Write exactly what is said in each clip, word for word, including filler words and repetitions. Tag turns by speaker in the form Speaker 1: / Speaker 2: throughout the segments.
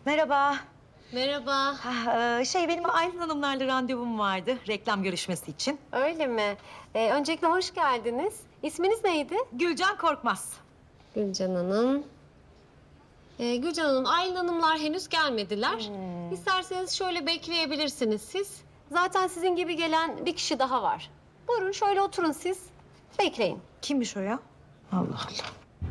Speaker 1: Merhaba.
Speaker 2: Merhaba.
Speaker 1: Ha, e, şey benim Aylin Hanımlarla randevum vardı reklam görüşmesi için.
Speaker 2: Öyle mi? Ee, öncelikle hoş geldiniz. İsminiz neydi?
Speaker 1: Gülcan Korkmaz.
Speaker 2: Gülcan Hanım. Ee, Gülcan Hanım, Aylin Hanımlar henüz gelmediler.
Speaker 1: Hmm.
Speaker 2: İsterseniz şöyle bekleyebilirsiniz siz. Zaten sizin gibi gelen bir kişi daha var. Buyurun şöyle oturun siz. Bekleyin.
Speaker 1: Kimmiş o ya? Allah Allah.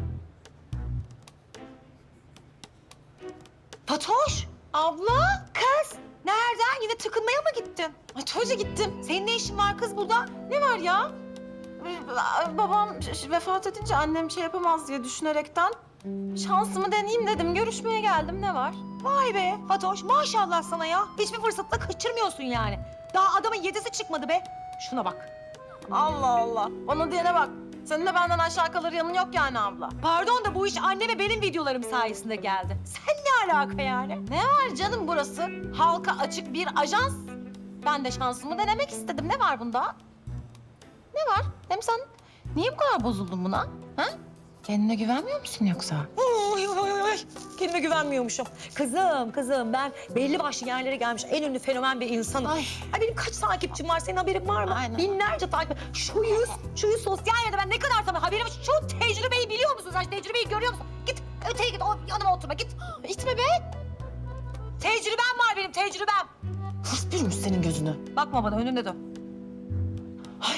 Speaker 1: Fatoş! Abla! Kız! Nereden? Yine tıkınmaya mı gittin? Ay Toyca gittim. Senin ne işin var kız burada? Ne var ya?
Speaker 3: Ee, Babam ş- ş- vefat edince annem şey yapamaz diye düşünerekten şansımı deneyeyim dedim. Görüşmeye geldim. Ne var?
Speaker 1: Vay be Fatoş maşallah sana ya. Hiçbir fırsatla kaçırmıyorsun yani. Daha adamın yedisi çıkmadı be. Şuna bak.
Speaker 3: Allah Allah. Bana diyene bak. Senin de benden aşağı kalır yanın yok yani abla.
Speaker 1: Pardon da bu iş anneme benim videolarım sayesinde geldi. Sen ne alaka yani?
Speaker 3: Ne var canım burası? Halka açık bir ajans. Ben de şansımı denemek istedim. Ne var bunda? Ne var? Hem sen niye bu kadar bozuldun buna? Ha? Kendine güvenmiyor musun yoksa?
Speaker 1: Oy, oy, oy. Kendime güvenmiyormuşum. Kızım, kızım ben belli başlı yerlere gelmiş en ünlü fenomen bir insanım.
Speaker 3: Ay.
Speaker 1: Ay benim kaç takipçim var senin haberin var mı?
Speaker 3: Aynen.
Speaker 1: Binlerce takip. Şu yüz, şu yüz sosyal medyada ben ne kadar sana haberim var. Şu tecrübeyi biliyor musun sen? Şu tecrübeyi görüyor musun? Git öteye git, o yanıma oturma git.
Speaker 3: İtme be.
Speaker 1: Tecrübem var benim, tecrübem.
Speaker 3: Hırs bürümüş senin gözünü.
Speaker 1: Bakma bana, önünde dön.
Speaker 3: Ay.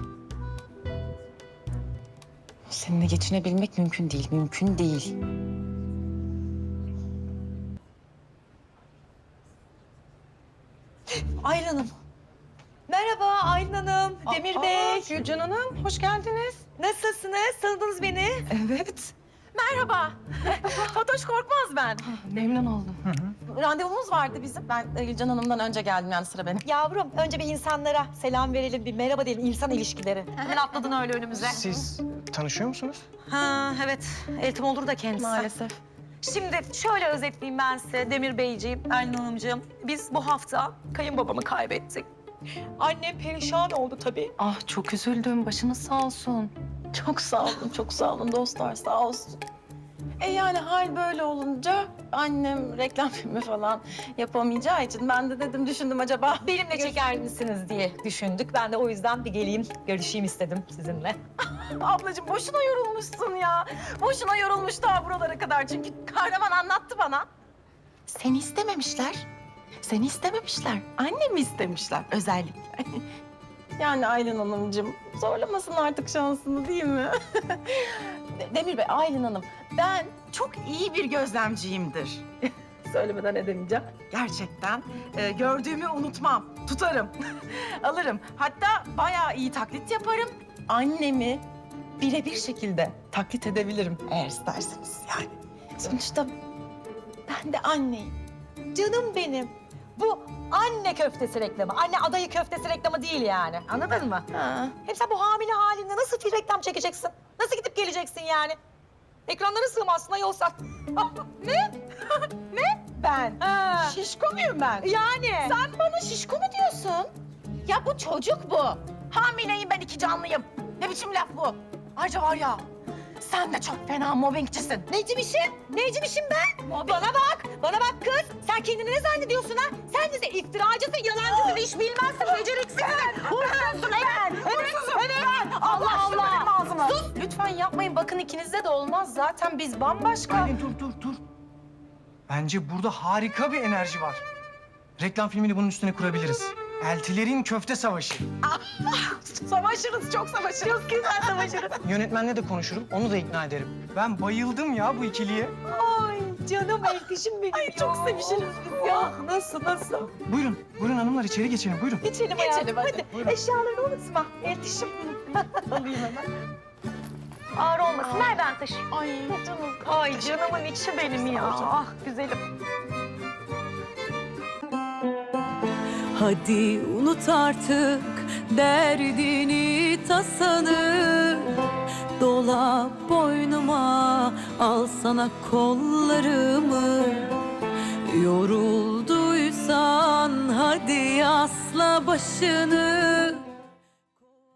Speaker 3: Seninle geçinebilmek mümkün değil, mümkün değil.
Speaker 1: Aylin Hanım. Merhaba Aylin Hanım, Demir
Speaker 3: Aa,
Speaker 1: Bey.
Speaker 3: Gülcan Hanım, hoş geldiniz.
Speaker 1: Nasılsınız? Tanıdınız beni.
Speaker 3: Evet. Merhaba. Fatoş Korkmaz ben. Memnun oldum. Randevumuz vardı bizim. Ben e, Gülcan Hanım'dan önce geldim yani sıra benim.
Speaker 1: Yavrum önce bir insanlara selam verelim, bir merhaba diyelim, insan ilişkileri. Hemen atladın öyle önümüze.
Speaker 4: Siz tanışıyor musunuz?
Speaker 1: Ha evet, Eltim olur da kendisi.
Speaker 3: Maalesef.
Speaker 1: Şimdi şöyle özetleyeyim ben size Demir Beyciğim, Aylin Hanımcığım. Biz bu hafta kayınbabamı kaybettik. Annem perişan oldu tabii.
Speaker 3: Ah çok üzüldüm. Başınız sağ olsun. Çok sağ olun, çok sağ olun dostlar sağ olsun. E yani hal böyle olunca annem reklam filmi falan yapamayacağı için ben de dedim düşündüm acaba.
Speaker 1: Benimle çeker misiniz diye düşündük. Ben de o yüzden bir geleyim, görüşeyim istedim sizinle.
Speaker 3: Ablacığım boşuna yorulmuşsun ya. Boşuna yorulmuş daha buralara kadar çünkü kahraman anlattı bana. Seni istememişler. Seni istememişler. Annemi istemişler özellikle. Yani Aylin Hanımcığım zorlamasın artık şansını değil mi? Demir Bey, Aylin Hanım ben çok iyi bir gözlemciyimdir. Söylemeden edemeyeceğim. Gerçekten e, gördüğümü unutmam, tutarım, alırım. Hatta bayağı iyi taklit yaparım. Annemi birebir şekilde taklit edebilirim eğer isterseniz yani. Sonuçta ben de anneyim.
Speaker 1: Canım benim. Bu anne köftesi reklamı, anne adayı köftesi reklamı değil yani. Anladın mı?
Speaker 3: Ha.
Speaker 1: Hem sen bu hamile halinde nasıl bir reklam çekeceksin? Nasıl gidip geleceksin yani? Ekranlara sığmazsın ayolsan.
Speaker 3: Ne? Ne? Ben?
Speaker 1: Ha.
Speaker 3: Şişko muyum ben?
Speaker 1: Yani.
Speaker 3: Sen bana şişko mu diyorsun? Ya bu çocuk bu. Hamileyim ben iki canlıyım. Ne biçim laf bu? Ayrıca var ya sen de çok fena mobbingçisin.
Speaker 1: Necimişim? Necimişim ben? Bana bak, bana bak kız. Sen kendini ne zannediyorsun ha? Sen bize iftiracısın, yalancısın, iş bilmezsin, beceriksizsin. Hırsızsın evet. Evet, evet.
Speaker 3: Allah Allah. Sus. Lütfen yapmayın. Bakın ikinizde de olmaz. Zaten biz bambaşka.
Speaker 4: Aylin dur dur dur. Bence burada harika bir enerji var. Reklam filmini bunun üstüne kurabiliriz. Eltilerin köfte savaşı.
Speaker 3: Savaşırız, çok savaşırız. Çok güzel savaşırız.
Speaker 4: Yönetmenle de konuşurum, onu da ikna ederim. Ben bayıldım ya bu ikiliye.
Speaker 1: Ay canım elkişim benim.
Speaker 3: Ay çok sevişiriz biz ya.
Speaker 1: Nasıl, nasıl?
Speaker 4: Buyurun, buyurun hanımlar içeri geçelim, buyurun.
Speaker 1: Geçelim
Speaker 3: Geçelim
Speaker 1: hayatım,
Speaker 3: hadi.
Speaker 4: Buyurun.
Speaker 1: Eşyalarını unutma. Eltişim.
Speaker 3: Alayım hemen.
Speaker 1: Ağır olmasın, ver ben taşıyayım.
Speaker 3: Ay canım.
Speaker 1: Ay canımın içi benim ya. Ah güzelim.
Speaker 5: Hadi unut artık derdini tasanı, dola boynuma, al sana kollarımı. Yorulduysan hadi yasla başını,